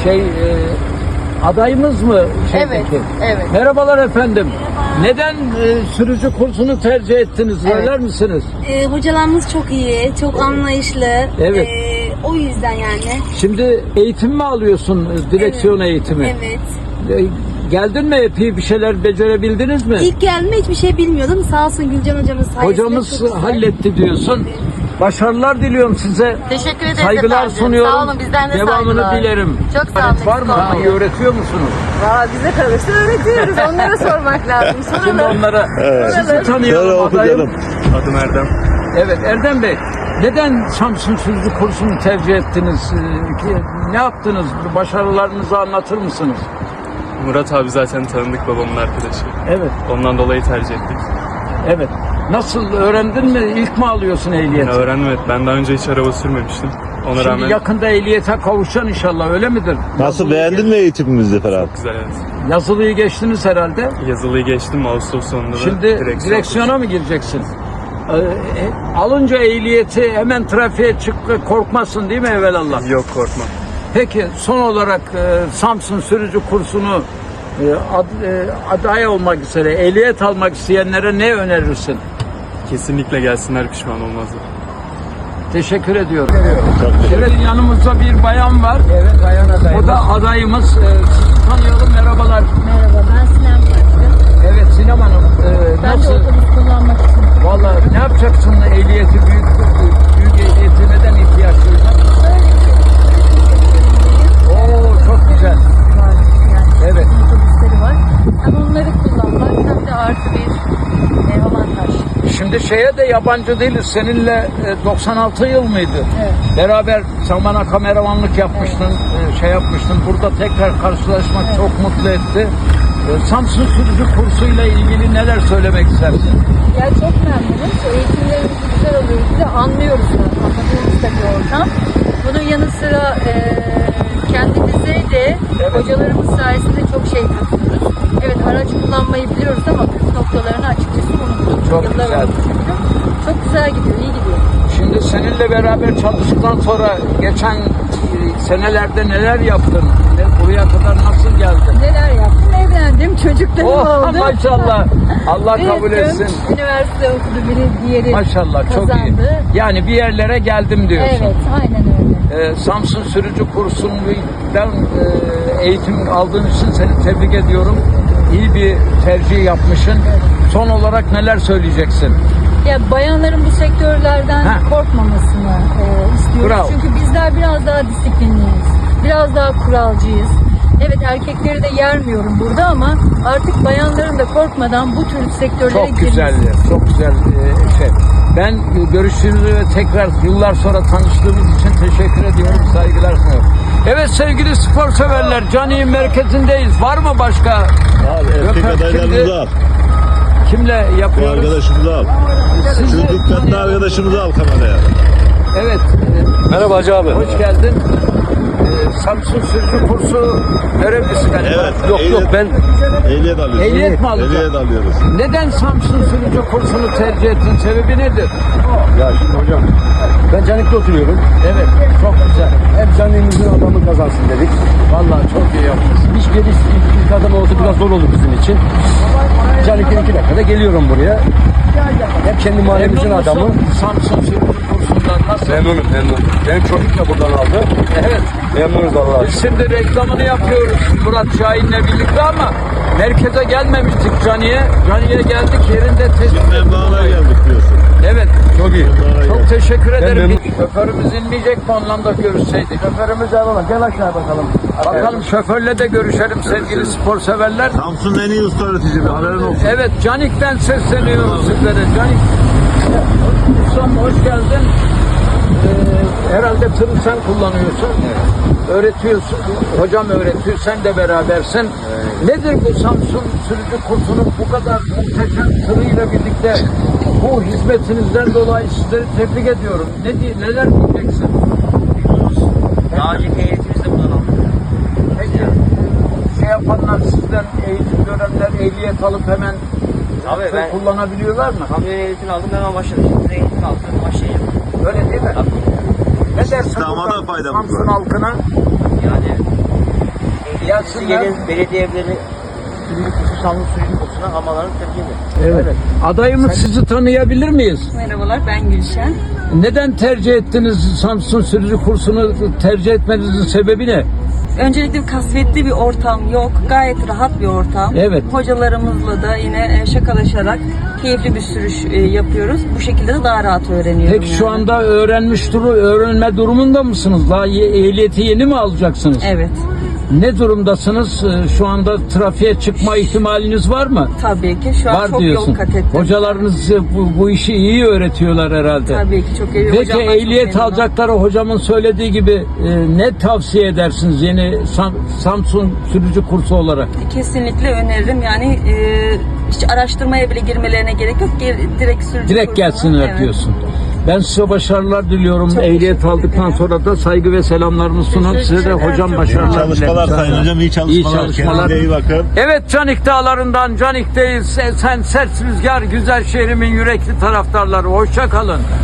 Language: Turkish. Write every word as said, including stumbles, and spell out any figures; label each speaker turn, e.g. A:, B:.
A: şey e, adayımız mı? Şeydeki?
B: Evet, evet.
A: Merhabalar efendim. Neden e, sürücü kursunu tercih ettiniz?
B: Evet.
A: Söyler misiniz?
C: Ee, hocalarımız çok iyi, çok anlayışlı.
A: Evet.
C: Ee, o yüzden yani.
A: Şimdi eğitim mi alıyorsun? e, Direksiyon eğitimi.
C: Evet.
A: E, Geldin mi epey bir şeyler becerebildiniz mi?
C: İlk geldiğimde hiçbir şey bilmiyordum. Sağ olsun Gülcan hocamız sayesinde
A: Hocamız
C: çok güzel.
A: halletti diyorsun. Başarılar diliyorum size.
B: Teşekkür ederiz
A: Saygılar
B: efendim.
A: sunuyorum.
B: Sağ olun, bizden de
A: Devamını
B: saygılar.
A: dilerim.
B: Çok sağ olun.
A: Evet, var mı?
B: Sağ olun.
A: İyi öğretiyor musunuz?
B: Valla bize kalırsa öğretiyoruz. Onlara sormak lazım.
A: Şimdi
B: Soralım.
A: onlara sizi
D: Şöyle
A: tanıyalım.
D: oku
A: Adayım.
D: canım.
E: Adım Erdem.
A: Evet Erdem Bey, neden Samsun Sürücü kursunu tercih ettiniz? Ee, ki- Ne yaptınız? Başarılarınızı anlatır mısınız?
E: Murat abi zaten tanıdık, babamın arkadaşı.
A: Evet,
E: Ondan dolayı tercih ettik.
A: evet. Nasıl öğrendin mi? İlk mi alıyorsun ehliyeti?
E: Yani öğrendim, evet. Ben daha önce hiç araba sürmemiştim. Ona
A: Şimdi
E: rağmen
A: yakında ehliyete kavuşacaksın inşallah, öyle midir?
D: Nasıl,
A: Yazılıyı
D: beğendin mi eğitimimizi falan?
E: güzel, evet.
A: geç- Yazılıyı geçtiniz herhalde.
E: Yazılıyı geçtim, Ağustos sonunda da
A: Şimdi
E: direksiyon
A: direksiyona mı gireceksin? Ee, e, alınca ehliyeti hemen trafiğe çık, korkmasın değil mi evvelallah?
E: Yok, korkma.
A: Peki son olarak e, Samsun sürücü kursunu e, ad, e, aday olmak üzere ehliyet almak isteyenlere ne önerirsin?
E: Kesinlikle gelsinler, pişman olmazlar.
A: Teşekkür ediyorum.
D: Çok teşekkür
A: Evet, yanımızda bir bayan var.
F: Evet, bayan adayım.
A: O da adayımız. E, sizi tanıyalım. Merhabalar.
C: Merhaba, ben Sinem Taşkın.
A: Evet Sinem Hanım. e,
C: Ben
A: nasıl?
C: de otobüs kullanmak için.
A: Vallahi ne yapacaksın ehliyeti büyük büyük ehliyeti neden ihtiyaç duydun? Oo çok güzel.
C: Var yani.
A: Evet.
C: Otobüsleri var. Hem onları kullanmak hem de artı bir e, avantaj.
A: Şimdi şeye de yabancı değiliz. Seninle e, doksan altı yıl mıydı?
C: Evet.
A: Beraber sen bana kameramanlık yapmıştın, e, şey yapmıştın. Burada tekrar karşılaşmak çok mutlu etti. E, Samsun sürücü kursuyla ilgili neler söylemek istersin?
C: Ya çok memnunum. Eğitimlerimiz güzel oluyor. Bir de anlıyoruz da. Anladığımız da bir ortam. Bunun yanı sıra e, kendimize de
A: Evet.
C: hocalarımız sayesinde çok şey katıyoruz. Evet, araç kullanmayı biliyoruz ama püf noktalarını açıkçası unuttuk.
A: Çok
C: Yıllar
A: güzel.
C: oldu çünkü. Çok güzel gidiyor, iyi gidiyor.
A: Şimdi seninle beraber çalıştıktan sonra geçen e, senelerde neler yaptın? Ne, buraya kadar nasıl geldin?
C: Neler yaptım? Evlendim, çocuklarım
A: Oh
C: oldu.
A: maşallah. Allah kabul
C: Büyüttüm,
A: etsin.
C: Üniversite okudu, biri diğeri
A: Maşallah çok iyi.
C: kazandı.
A: Yani bir yerlere geldim diyorsun.
C: Evet, aynen öyle.
A: Ee, Samsun sürücü kursundan e, eğitim aldığın için seni tebrik ediyorum. İyi bir tercih yapmışsın. Son olarak neler söyleyeceksin?
C: Ya bayanların bu sektörlerden
A: Ha.
C: korkmamasını e, istiyoruz.
A: Bravo.
C: Çünkü bizler biraz daha disiplinliyiz. Biraz daha kuralcıyız. Evet, erkekleri de yermiyorum burada ama artık bayanların da korkmadan bu tür sektörlere
A: Çok güzel, çok güzel e, şey. Ben e, görüştüğümüz ve tekrar yıllar sonra tanıştığımız için teşekkür ediyorum, saygılar sunuyorum. Evet sevgili spor severler, Cani'nin merkezindeyiz. Var mı başka?
D: Al, erkek
A: Yok,
D: adaylarımızı
A: şimdi-
D: al.
A: Kimle
D: Bu
A: yapıyoruz?
D: arkadaşımızı al.
A: Siz
D: Şu
A: de
D: dikkatli
A: tanıyalım.
D: arkadaşımızı al kameraya.
A: Evet. e,
D: Merhaba Hacı abi.
A: Hoş geldin. Ee, Samsun sürücü kursu görevlisi galiba.
D: Evet.
A: Yok
D: ehliyet-
A: yok ben
D: Ehliyet alıyoruz.
A: Ehliyet mi alacağım?
D: Ehliyet alıyoruz.
A: neden Samsun sürücü kursunu tercih ettin? Sebebi nedir?
F: Ya şimdi hocam, ben Canik'te oturuyorum.
A: Evet çok güzel.
F: Hep Canik'imizin adamı kazansın dedik.
A: Vallahi çok iyi yapmışsın.
F: Hiç geliş ilk, ilk adam olsa biraz zor olur bizim için. Canik'ten iki dakikada geliyorum buraya. Hep kendi mahallemizin
A: Memnun
F: adamı.
A: musun Samsun sürücü kursundan nasıl?
F: Memnunum, memnunum. Benim çocuk da buradan aldı.
A: Evet.
F: Memnunuz Allah'a.
A: Biz şimdi reklamını yapıyoruz Murat Şahin'le birlikte ama merkeze gelmemiştik Cani'ye. Cani'ye geldik yerinde tespit
D: Memnun'a geldik diyorsun.
A: Evet.
F: Çok iyi.
A: Çok teşekkür ederim.
F: memnun-
A: Şoförümüz inmeyecek mi onunla da görüşseydik?
F: Şoförümüz alalım. Gel aşağı bakalım.
A: Bakalım şoförle de görüşelim sevgili spor severler.
D: Samsun'un en iyi usta öğretici bir haberin olsun.
A: Evet Canik'ten sesleniyorum sizlere. Canik. Ustam hoş geldin. Ee, herhalde tırı sen kullanıyorsun. Öğretiyorsun. Hocam öğretiyor. Sen de berabersin. Nedir bu Samsun sürücü kursunun bu kadar muhteşem tırıyla birlikte bu hizmetinizden dolayı sizleri tebrik ediyorum. Ne diye, neler diyeceksin?
G: Daha önceki eğitimimizde bundan aldık.
A: Peki şey yapanlar sizden eğitim görenler ehliyet alıp hemen
G: Tabii
A: tır
G: ben
A: kullanabiliyorlar mı?
G: kamyon eğitimini aldım, hemen başladım. Şimdi eğitim aldım, başlayacağım.
A: Öyle değil mi? Ne dersin
D: İstihdama
A: buradan
D: da faydamız
A: Samsun
D: var.
A: halkına?
G: Yani
A: Gelsinler.
G: Gelin belediye evleri sürücü kursu, Samsun sürücü kursuna hamaların tercih edin.
A: Evet. Adayımız sizi tanıyabilir miyiz?
H: Merhabalar, ben Gülşen.
A: Neden tercih ettiniz Samsun sürücü kursunu tercih etmenizin sebebi ne?
H: Öncelikle kasvetli bir ortam yok. Gayet rahat bir ortam.
A: Evet.
H: Hocalarımızla da yine e, şakalaşarak keyifli bir sürüş e, yapıyoruz. Bu şekilde de daha rahat öğreniyorum.
A: Peki şu
H: yani.
A: anda öğrenmiş duru, öğrenme durumunda mısınız? Daha ye- ehliyeti yeni mi alacaksınız?
H: Evet.
A: Ne durumdasınız? Ee, Şu anda trafiğe çıkma ihtimaliniz var mı?
H: Tabii ki. Şu an
A: Var
H: çok
A: diyorsun.
H: yol kat ettim.
A: Hocalarınız size bu, bu işi iyi öğretiyorlar herhalde.
H: Tabii ki çok iyi.
A: Peki
H: Hocamdan çok
A: ehliyet
H: memnunum.
A: alacakları hocamın söylediği gibi e, ne tavsiye edersiniz yeni Sam- Samsun sürücü kursu olarak?
H: Kesinlikle öneririm. Yani e, hiç araştırmaya bile girmelerine gerek yok. Gir- direkt sürücü
A: Direkt
H: kursuna.
A: gelsinler
H: Evet.
A: diyorsun. Ben size başarılar diliyorum.
H: Çok
A: Ehliyet
H: teşekkür
A: aldıktan
H: ederim.
A: sonra da saygı ve selamlarımı sunup size de
H: Teşekkürler,
A: hocam
H: çok
A: başarılar
H: sağ olun.
D: Çalışmalar
A: dilerim.
D: Sayın Hocam. İyi çalışmalar.
A: İyi çalışmalar.
D: Kendinize iyi bakın.
A: Evet, Canik Dağları'ndan Canik'teyiz. Sen sert rüzgar, güzel şehrimin yürekli taraftarları. Hoşça kalın.